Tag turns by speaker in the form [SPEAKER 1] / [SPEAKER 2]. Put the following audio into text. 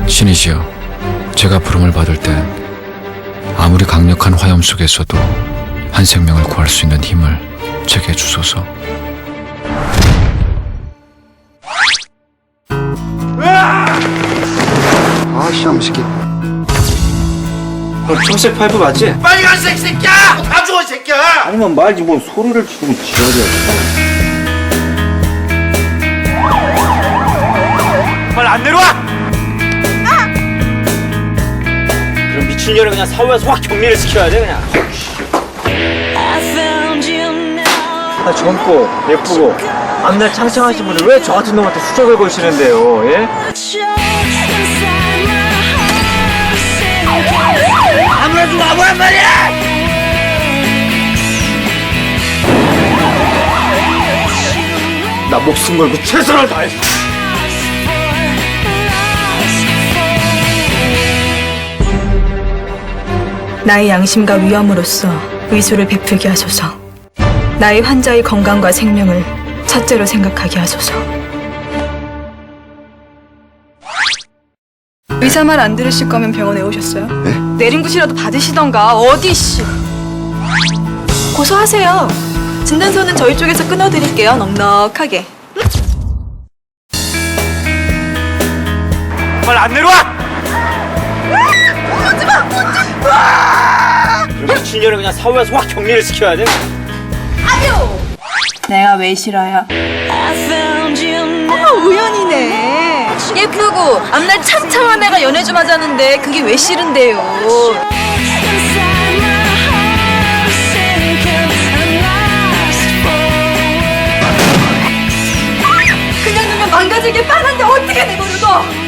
[SPEAKER 1] 신이시여, 제가 부름을 받을 땐 아무리 강력한 화염 속에서도 한 생명을 구할 수 있는 힘을 제게 주소서.
[SPEAKER 2] 아씨, 이 새끼.
[SPEAKER 3] 너 초색 파이프 맞지?
[SPEAKER 4] 빨간색 새끼야! 다 죽어 새끼야!
[SPEAKER 3] 아니면 말지 뭐 소리를 지르고 지랄이야.
[SPEAKER 4] 빨리 안 내려와!
[SPEAKER 3] 그럼 미친년을 그냥 사후에서 확 격리를 시켜야 돼 그냥. 아, 젊고 예쁘고 앞날 창창하신 분들 왜 저 같은 놈한테 수작을 걸시는데요? 예? 아무래도 아무란 말이야! 나 목숨 걸고 최선을 다했어.
[SPEAKER 5] 나의 양심과 위엄으로서 의술을 베풀게 하소서. 나의 환자의 건강과 생명을 첫째로 생각하게 하소서. 의사 말 안 들으실 거면 병원에 오셨어요?
[SPEAKER 2] 네?
[SPEAKER 5] 내림굿이라도 받으시던가. 어디 씨. 고소하세요. 진단서는 저희 쪽에서 끊어드릴게요. 넉넉하게.
[SPEAKER 4] 빨리 안 내려와!
[SPEAKER 3] 그럼 미친년을 그냥 사후에서 확 격리를 시켜야 돼.
[SPEAKER 5] 내가 왜 싫어요? 우연이네. 예쁘고 앞날 창창한 애가 연애 좀 하자는데 그게 왜 싫은데요? 그냥 두면 망가지길 뻔한데 어떻게 내버려둬?